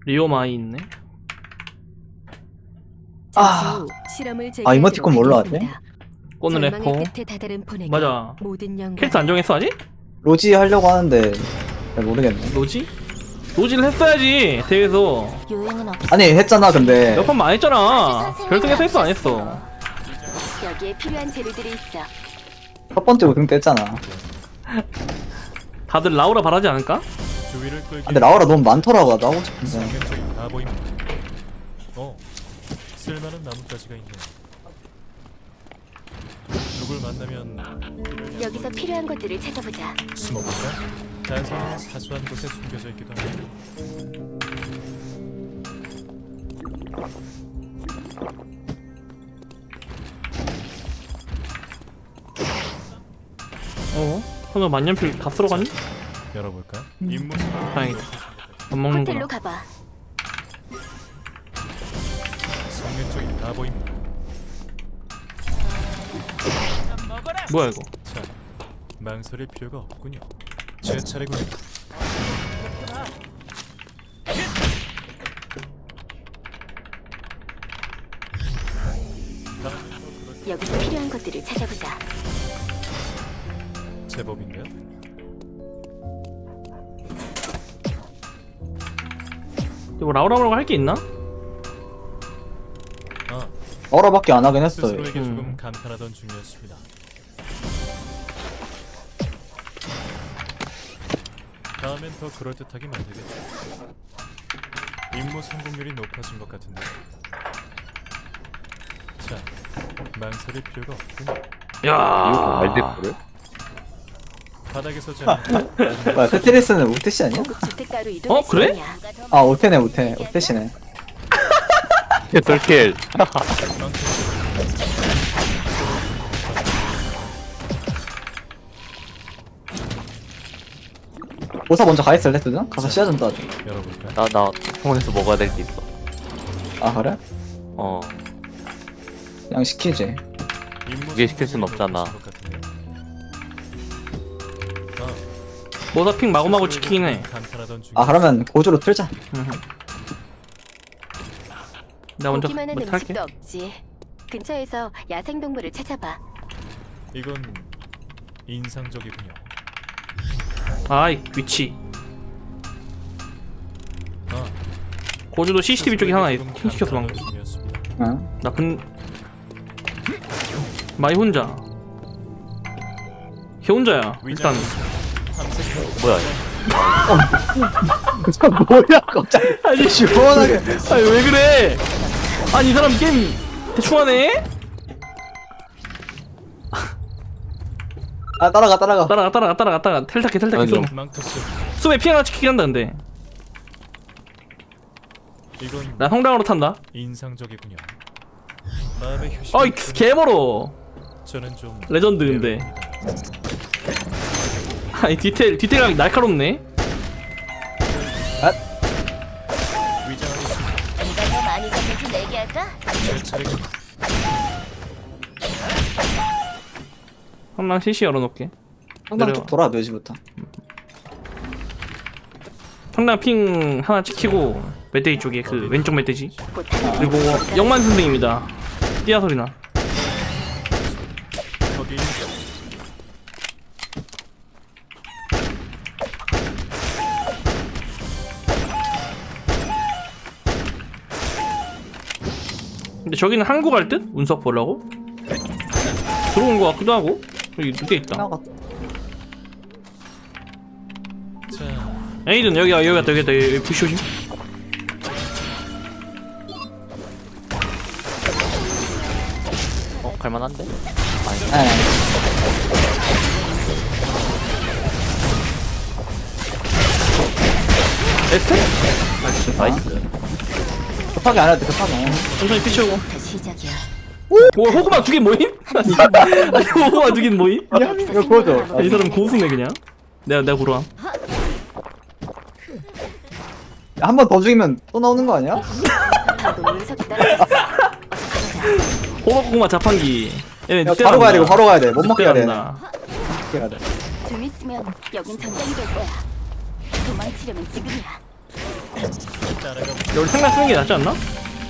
리오마이 있네. 아, 이모티콘 뭘로 하지? 오늘 래퍼. 맞아. 캐릭터 안 정했어 아직? 로지 하려고 하는데 잘 모르겠네. 로지? 로지를 했어야지 대회에서. 아니 했잖아 근데. 몇 번만 안 했잖아. 결승에서 했어 안 했어? 여기에 필요한 재료들이 있어. 첫 번째 우승 뗐잖아. 다들 라우라 바라지 않을까? 근데 라우라 너무 많더라고. 나도 하고 싶은데. 성격적인 바보입니다. 쓸만한 나뭇가지가 있네. 누굴 만나면 여기서 필요한 것들을 찾아보자. 숨어볼까? 단서는 사소한 곳에 숨겨져 있기도 하고. 설마 만년필 다 쓸어갔니? 열어볼까? 임무 다행이다. 안 호텔로 먹는구나. 가봐. 성격적인 바보입니다. 뭐야 이거? 자, 망설일 필요가 없군요. 제 차례군요. 여기서 필요한 것들을 찾아보자. 제법인데요? 뭐 라우라라고 할 게 있나? 아, 라우라밖에 안 하긴 했어요. 스스로에게 조금 감탄하던 중이었습니다. 다음엔 더 그럴듯하게 만들겠죠. 임무 성공률이 높아진 것 같은데. 자, 망설일 필요가 없군요. 야. 말대꾸를? 바닥에서 자는 뭐야 테트리스는 오테시 아니야? 고급 주택가로 이동할 어, 그래? 시간이야. 아 오테네 오테. 오테시네. 개설킬. 보사 먼저 가 있을래 두든? 가서 씨앗 좀 따줘. 열어볼까? 나 병원에서 먹어야 될 게 있어. 아 그래? 어. 그냥 시키지. 그게 시킬 순 없잖아. 모사핑 마구마구 지키긴 해. 아 그러면 고주로 틀자. 나 먼저 보기만 한 탈게. 음식도 없지. 근처에서 야생동물을 찾아봐. 이건 인상적이군요. 아이 위치. 아, 고주도 CCTV 쪽에 하나 조금 킹 시켰어 방금. 감탄하던 중이었습니다. 응. 나쁜 마이 혼자. 걔 혼자야. 일단 뭐야? 뭐야 갑자기. 아니 시원하게. 아니 왜 그래? 아니 이 사람 게임 대충 하네? 아 따라가. 따라가 텔타케 아니, 쏘. 망토스, 쏘에 피 하나 지키긴 한다 근데. 이건 나 성당으로 탄다. 인상적이군요. 마음의 휴식. 어이 개멀어. 저는 좀 레전드인데. 아니 디테일감이 날카롭네. 위장하겠습니다. 네가 더 많이 잡는지 내게 할까? 제 차례군요. 한랑 CC 열어놓게. 상당 내려와. 쪽 돌아 묘지부터. 성당 핑 하나 지키고 멧돼지 쪽에 그 왼쪽 멧돼지. 곧 하나 그리고 영만 선생입니다. 띠아 소리나. 거기 있죠. 근데 저기는 한국 갈 듯? 운석 보려고? 들어온 거 같기도 하고. 여기 늦게 있다. 나가. 자, 에이든 여기 왔다 여기 부시 조심. 갈만한데? 네. 에스테? 나이스. 급하게 안 해도 돼 급하게. 천천히 피치우고. 시작이야. 뭐 호구마 두 개 모임? 아니 호구마 두 개 모임? 이거 보여줘. 이 사람 고수네 그냥. 내가 고르함. 한 번 더 죽이면 또 나오는 거 아니야? 방금 운석이 떨어졌어. 호박고구마 자판기. 얘네 야, 바로 가야 돼 이거 바로 가야 돼. 못 먹게 해야 돼. 간다. 먹게 해야 돼. 좀 있으면 여긴 전장이 될 거야. 도망치려면 지금이야. 따라가 야, 우리 생각 쓰는 게 낫지 않나?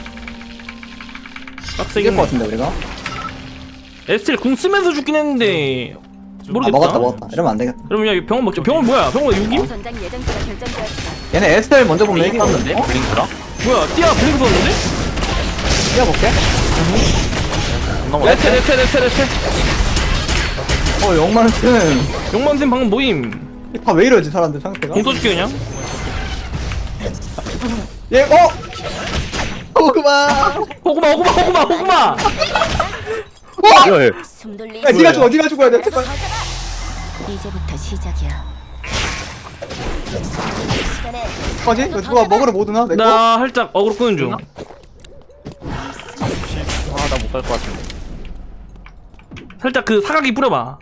빡세게 이길 것 같은데 우리가. 에스텔 궁 쓰면서 죽긴 했는데 아 모르겠다. 먹었다. 이러면 안 되겠다. 그럼 야 병원 먹자. 병원 뭐야? 병원 6임? 전장 예정지가 결정되었어. 얘네 에스텔 먼저 보면 블링 이기거든. 떴는데? 블링크랑? 뭐야? 띠아 블링크 썼는데? 뛰어볼게. 너무 에스텔 영만은 용만쌤 방금 모임. 다 왜 이러지 사람들 상태가? 공 써줄게 그냥. 얘 그만. 호구마. 열. 숨 돌리기. 야 네가 죽어야 돼. 제발. 이제부터 시작이야. 시간에 뭐지? 이거 누가 먹으러 못 오나? 내 거? 나 살짝 어그로 끄는 중. 나 못 갈 것 같은데. 살짝 그 사각이 뿌려봐.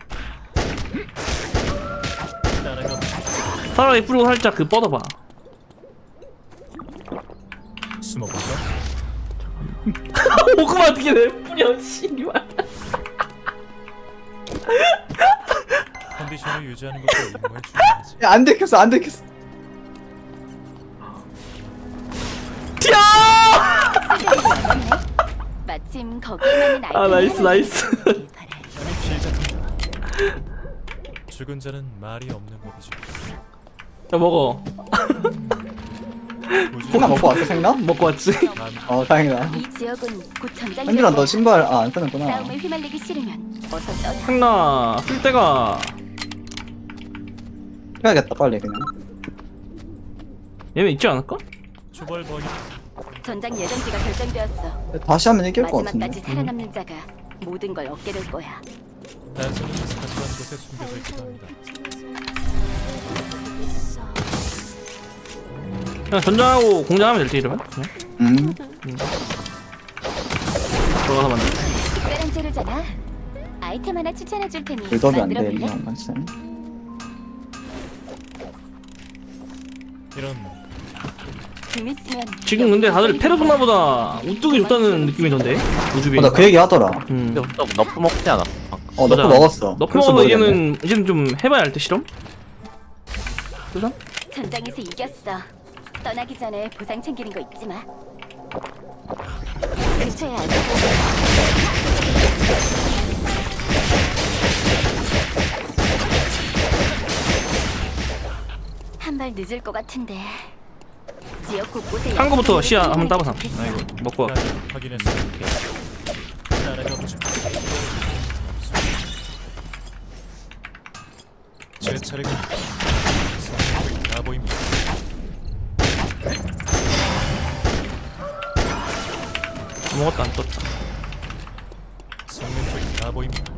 따라가 사각이 뿌리고 살짝 그 뻗어봐. 숨어볼까? 호구마 어떻게 내 뿌려 씨발. 컨디션을 유지하는 것도 임무의 중요하지. 야, 안 들켰어. 튀어! 마침 거기에 맞는 아 나이스. 나는 피해자입니다. 죽은 자는 말이 없는 법이죠. 야 먹어. 생나 먹고 왔어 생나? 먹고 왔지. 다행이다. 이 지역은 곧 전장. 한준아 너 신발 안 쓰는구나. 싸움에 휘말리기 싫으면 어서 떠나. 상나 쓸 때가 해야겠다 빨리 그냥. 얘네 있지 않을까? 초벌버기 전장 예정지가 결정되었어. 다시 하면 이길 것 같은데. 마지막까지 살아남는 자가 모든 걸 얻게 될 거야. 단서는 사소한 곳에 숨겨져 있기도 합니다. 그냥 전장하고 공장하면 될지 이러면 그냥 들어가서 만들. 특별한 재료잖아. 아이템 하나 추천해 줄 테니 빌드업이 안 돼. 만들어 볼래? 맞지? 이런 좀 있으면 지금 근데 다들 페르소나보다 우뚝이 좋다는 느낌이던데 우주비. 나 그 얘기 하더라. 근데 너 너프 먹지 않았어? 너프 맞아. 먹었어. 너프 그래서 먹어도 모르겠네. 이제는 좀 해봐야 할 때 실험? 그죠? 전장에서 이겼어. 떠나기 전에 보상 챙기는 거 잊지 마. 근처에 알고 한발 늦을 것 같은데. 지역 곳곳에 한 거부터 약속을 시야 한번 해주면 따봐서. 좋겠어. 아 이거 먹고 와. 확인했어. 따라가 보자. 제 차례군. 나 보입니다. 아무것도 안 떴다. 성능적인 나 보입니다.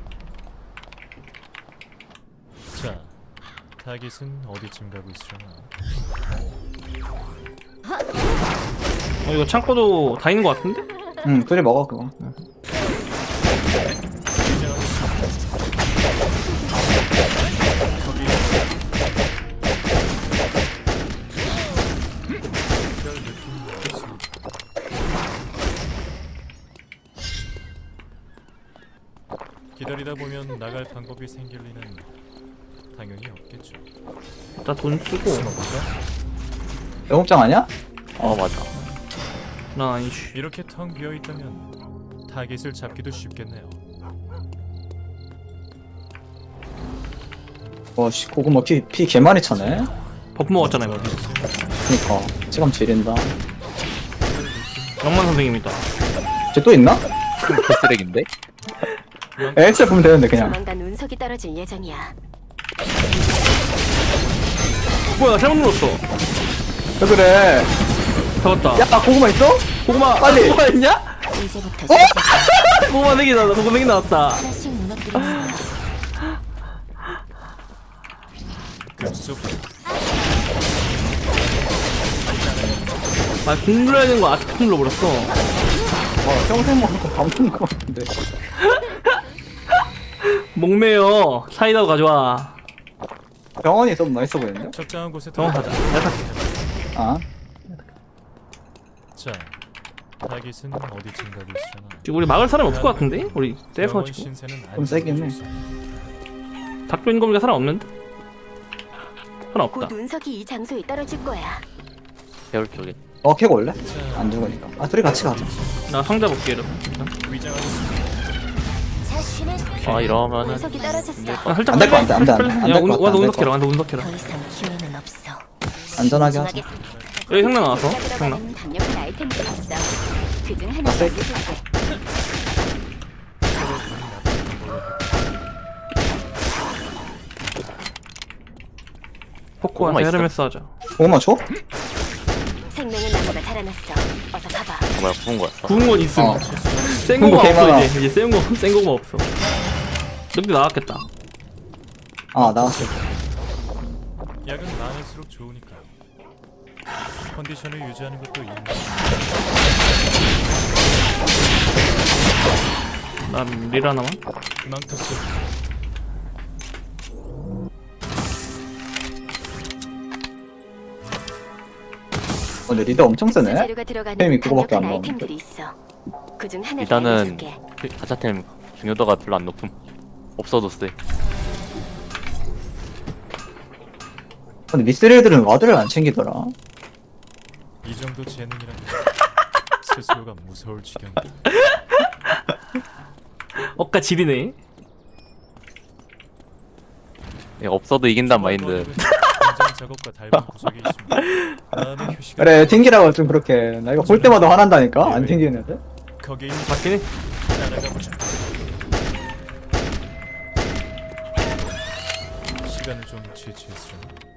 자, 타깃은 어디쯤 가고 있으려나? 이거 창고도 다 있는 것 같은데? 응 둘이 먹어 그거. 기다리다 보면 나갈 방법이 생길 리는 당연히 없겠죠. 나 돈 쓰고. 숨어볼까? 영업장 아니야? 맞아. 나 아니지. 이렇게 텅 비어 있다면 타깃을 잡기도 쉽겠네요. 와씨 고구마 피 개많이 차네. 버프 먹었잖아 이거. 그니까 체감 지린다. 영만 선생님이다. 쟤 또 있나? 개쓰레기인데? 엑셀 보면 되는데 그냥. 조만간 운석이 떨어질 예정이야. 뭐야 나 잘못 눌렀어. 왜 그래? 잡았다. 야 고구마 있어? 고구마 빨리. 고구마 있냐? 이제부터 시작이야. 고구마 4개 나왔다. 고구마 4개 나왔다. 하나씩 무너뜨리는 거야. 급속 아 궁눌러야 되는 거 아직 눌러버렸어. 평생 먹을 거 감는 거 같은데. 목매여 사이다도 가져와. 병원이 좀 맛있어 보이는데? 적당한 곳에 병원 가자. 내가 갈게. 아 자, 타깃은 어디쯤 가고 있으려나? 지금 우리 막을 사람 없을 것 같은데? 우리 영원 떼서가지고 신세는 좀 세긴 해. 닥터 인검이가 사람 없는데? 사람 곧 없다. 운석이 이 장소에 떨어질 거야. 배울 쪽에. 캐고 올래? 자, 안 죽으니까. 아 둘이 같이 가자. 나 상자 볼게 이러면. 위장하겠습니다. 아 이러면은 운석이 떨어졌어. 아, 살짝 안될것 같아, 안 돼, 안 돼. 빨리. 안 야 될것 같아, 와서 안 운석해라. 될것 와서 운석해라. 더 이상 기회는 없어. 안전하게 하자. 여기 생나 나왔어. 생나. 들어가는 강력한 아이템들이 있어. 그중 하나 세- 알려줄게. 포코한테 고구마 있어. 헤르메스 하자. 고구마 줘? 생명의 나무가 자라났어. 어서 가봐. 뭐야 구운 거였어. 구운 건 있음. 어. 센 구운 거 거가 없어 개많아. 이제 센 거가 없어. 여기 나왔겠다. 아 나왔어. 약은 많을수록 좋으니까. 컨디션을 유지하는 것도 있는. 난 릴 하나만. 망토스. 근데 리더 엄청 세네. 재료가 들어가는 게임이 그거밖에 안 강력한 나오는데. 아이템들이 있어. 그중 하나 일단은 알려줄게. 가차템 중요도가 별로 안 높음. 없어도 쎄. 근데 미스릴들은 와드를 안 챙기더라. 이 정도 재능이라면 스스로가 무서울 지경이다. 억까 지리네. 없어도 이긴단 마인드. 굉장히 작업과 닮은 구석이 있습니다. 마음의 휴식을 그래 튕기라고 좀 그렇게. 나 이거 볼 때마다 화난다니까. 안 튕기는 애들. 거기에 맞긴 해. 따라가 보자. 시간을 좀 지체했으려.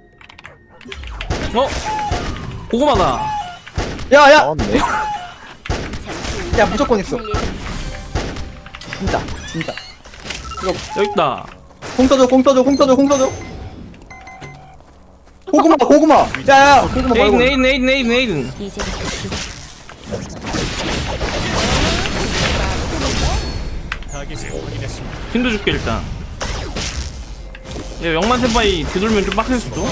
고구마다. 야야. 나왔네. 잠시 야, 무조건 있어. 하늘 예정. 진짜. 여기 있다. 공 떠줘. 고구마. 야야. 고구마 말고. 네이든. 이제부터 시작. 타깃을 확인했습니다. 힘도 줄게 일단. 야 영만 세바이 뒤돌면 좀 빡셀 수도.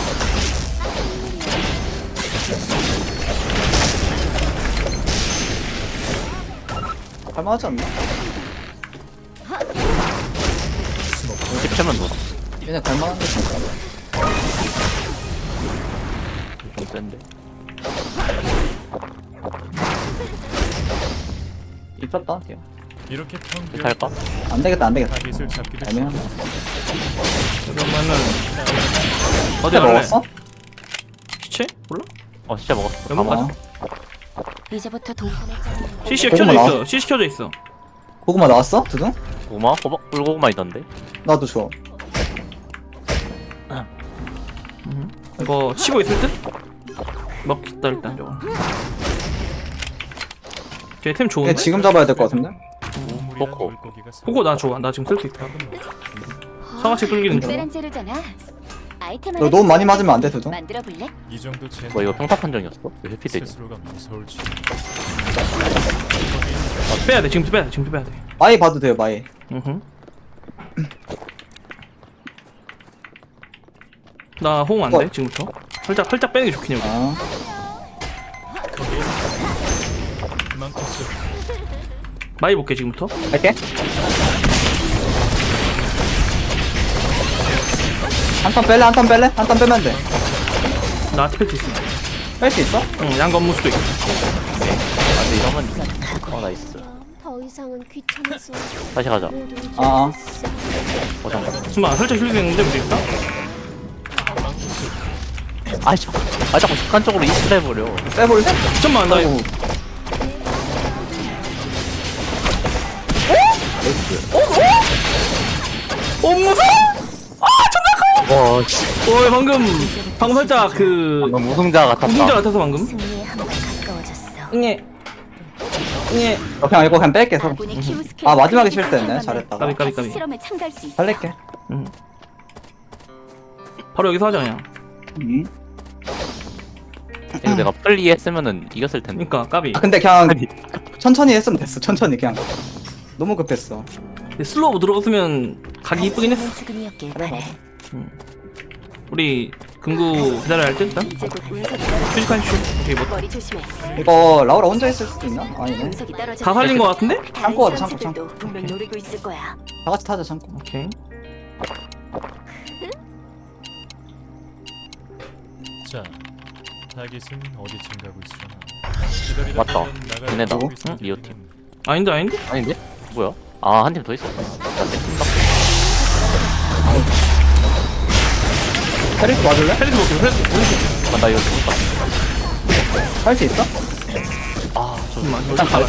할만하지 않나? 10채만 넣어. 얘네 갈만한데 진짜. 좀 센데. 입혔다. 걔. 이렇게 평균 할까? 안 되겠다. 타깃을 잡기도 애매하네. 그러면은 어디 해 갈래? 먹었어? 시체? 몰라? 진짜 먹었어. 여보, 가만. 가자. 이제부터 동선을 짜는 CC 고구마 켜져 나와? 있어. CC 켜져 있어. 고구마 나왔어? 두둥? 고구마? 호박 꿀고구마 있던데. 나도 줘. 이거 치고 있을 듯? 먹겠다 일단 저거. 쟤템 얘 좋은데? 지금 잡아야 될 것 같은데? 보물이란 포코. 물고기가 그거 나 좋아. 나 지금 쓸 수 있다. 상하치 뚫기는 중. 특별한 재료잖아. 아이템 너 너무 많이 맞으면 안 돼, 두둥. 만들어 볼래? 이 정도 재능. 뭐 이거 평타 판정이었어? 왜 회피되지? 스스로가 무서울 지경. 빼야 돼. 지금부터 빼야 돼. 지금부터 빼야 돼. 마이 봐도 돼요, 마이. 나 호응 안 돼. 지금부터. 살짝 빼는 게 좋긴 해. 아, 거기에 망토스. 많이 볼게 지금부터. 갈게. 한 턴 뺄래? 한 턴 빼면 돼. 나 아트팩트 있어. 뺄 수 있어? 응, 양건무수도 있어. 근데 이러면 나이스. 더 이상은 귀찮아서 다시 가자. 모두 아, 잠깐. 잠깐만, 살짝 힐링했는데 우리 일단. 자꾸 습관적으로 이스를 해버려. 빼볼래? 잠깐만, 나 아이고. 무서! 와, 씨. 방금 살짝 그 방금 우승자 같았다. 우승자 같아서 방금. 승리에 한 발 가까워졌어. 예. 예. 그냥 이거 그냥 뺄게, 서로. 아군이 키우 스킬 아, 마지막에 크리티컬 실수했네. 하면 잘했다가. 까비. 다시 실험에 참가할 수 있어. 살릴게. 바로 여기서 하자 그냥. 이거 내가 빨리 했으면은 이겼을 텐데. 그러니까 까비. 아, 근데 그냥 아니. 천천히 했으면 됐어. 천천히 그냥. 너무 급했어. 슬로우 들어갔으면 각이 이쁘긴 했어. 죽음이었길 그래, 바래. 우리 금구 기다려야 할 듯 일단. 이제 곧 운석이 휴식한 슈. 오케이 뭐. 머리 조심해. 이거 라우라 혼자 있을 수도 있나? 아니네. 운석이 떨어져. 다 살린 거 같은데? 참고 하자, 참고, 참고. 분명 노리고 있을 거야. 다 같이 타자, 참고. 오케이. 자, 타깃은 어디쯤 가고 있으려나. 기다리다 맞다. 보면 나갈 얘네다. 곳이 응? 생기긴 리오 팀. 했는데. 아닌데 아닌데? 아닌데? 뭐야? 아, 한 팀 더 있었다. 페리스 맞을래? 헬리스 먹기로 헬리스. 아, 나 이거 죽었다. 할 수 있어? 아, 저 일단 가자.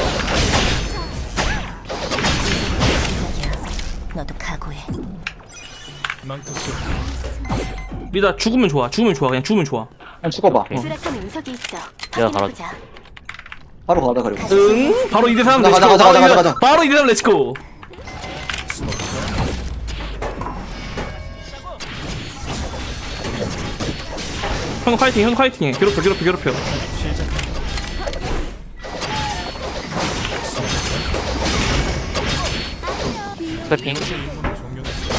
너도 각오해. 망토스 리다 죽으면 좋아. 죽으면 좋아. 그냥 죽으면 좋아. 그냥 죽어봐. 오케이. 수락한 운석이 있어. 내가 확인해보자. 바로 가자 그리고. 응? 바로 2대3 가자, 렛츠고. 가자, 가자, 가자, 가자. 바로 2대3 렛츠고. 형 파이팅, 형 파이팅해. 괴롭혀, 괴롭혀, 괴롭혀. 시작. 스태핑. 종료됐어.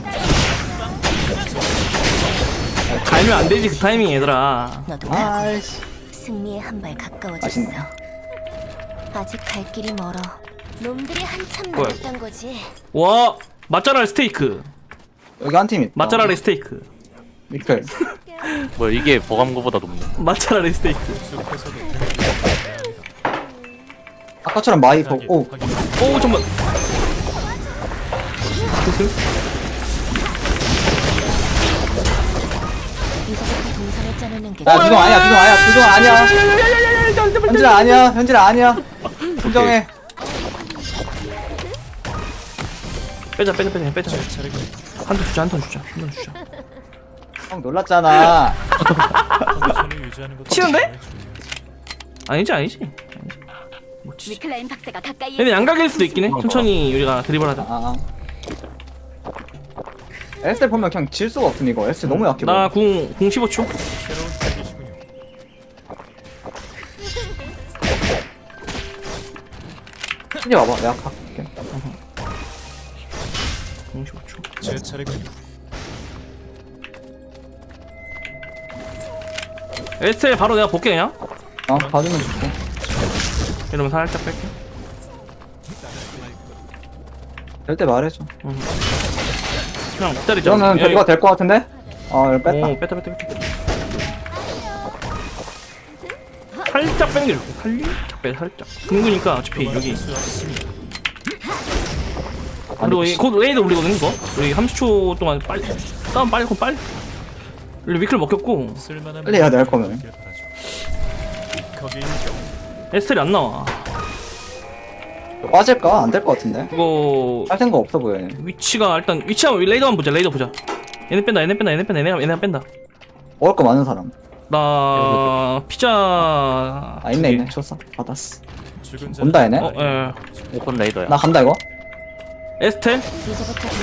갈면 안 되지 그 타이밍 얘들아. 너도 각오해. 아이씨. 승리에 한 발 가까워졌어. 맛있네. 아직 갈 길이 멀어. 놈들이 한참 뭐야, 남았던 거지. 와 맛잘알 스테이크. 여기 한 팀 있다. 맛잘알의 스테이크. 미클. 뭐야, 이게 버감구보다 높네. 맛잘알의 스테이크. 숲에서도 등을 아까처럼 마이 타깃 보고. 확인. 오 잠만. 무슨? 이제부터 동선을 짜내는 게 야 두종 아니야 두종 아니야 두종 아니야. 현진아 아니야 현진아 아니야. 인정해. 빼자 빼자 빼자 빼자. 제 차례군. 한 턴 주자 한 턴 주자 한 턴 주자. 형 놀랐잖아. 컨디션을 유지하는 것도 치는데? 정말 중요하지. 아니지 아니지. 못 치지. 위클라인 박사가 가까이. 근데 양각일 수도 있긴 해. 천천히 우리가 드리블하자. 아. 에스텔 보면 그냥 질 수가 없음 이거. 에스텔 너무 약해. 보여. 나궁 15초. 새로운 타깃이군요. 이제 와봐 내가 갈게. 궁 15초. 제 차례군요. 에스텔 바로 내가 볼게 그냥. 봐주면 좋고. 이러면 살짝 뺄게. 될 때 말해줘. 그냥 기다리자. 이거는 야, 이거 될 것 같은데? 이거 뺐다. 오 뺐다 뺐다 뺐다. 살짝 빼는 게 좋고 살짝 빼 살짝. 둥그니까 어차피 여기. 수 없습니다. 그리고 곧 레이드 올리거든 이거. 우리 30초 동안 빨리 싸움 빨리 곧 빨리. 우리 위클 먹혔고 쓸만한 빨리 해야 돼, 할 거면. 있길 바라죠. 거기 있는 에스텔이 안 나와. 빠질까? 안 될 것 같은데? 이거 할 생각 없어 보여 얘네. 위치가 일단 위치하면 레이더만 보자. 레이더 보자. 얘네 뺀다 얘네 뺀다 얘네 뺀다 얘네 뺀다. 먹을 거 많은 사람. 나 피자. 아 있네 있네 줬어 받았어. 죽은 자 온다 얘네. 예. 오픈 레이더야. 나 간다 이거. 에스텔. 이제부터 동선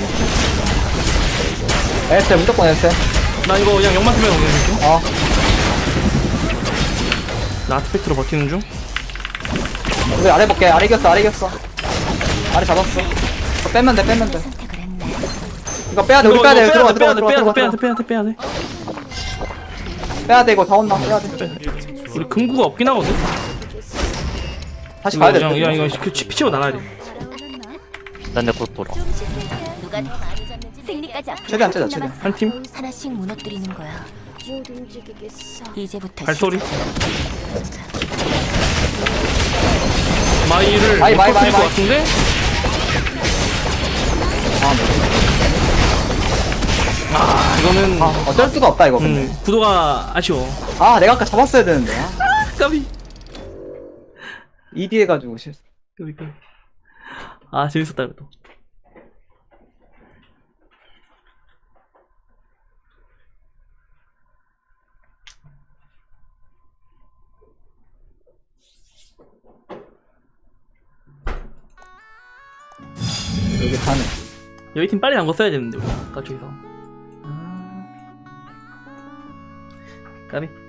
에스텔 무조건 에스텔. 나 이거 그냥 영만 쓰면 그냥 중. 어 나 아트팩트로 버티는 중. 우리 아래 볼게. 아래 이겼어 아래 이겼어. 아래 잡았어. 이거 빼면 돼 빼면 돼. 선택을 했네. 이거 빼야 돼 우리 빼야 돼. 들어가 들어가 들어가 들어가 빼야 돼 들어가. 빼야 돼. 빼야 돼 이거 다 온다 빼야 돼. 우리 금구가 없긴 하거든. 다시 가야 돼. 그냥 이거 피치고 나가야 돼. 난 내 곧 돌아. 누가 더 많이 졌는지 승리까지 앞으로 최대한 째자, 조금 최대한. 남았어. 한 팀. 하나씩 무너뜨리는 거야. 못 움직이겠어. 이제부터 발소리. 시작이야. 마이를 마이, 못 마이, 터뜨릴 것 마이. 같은데. 이거는 어쩔 수가 없다 이거 근데. 구도가 아쉬워. 내가 아까 잡았어야 되는데. 까비. ED 해가지고 실수. 까비. 재밌었다 이것도. 여기 타네. 여기 팀 빨리 간 거 써야 되는데 우리 아까 저기서. 까비.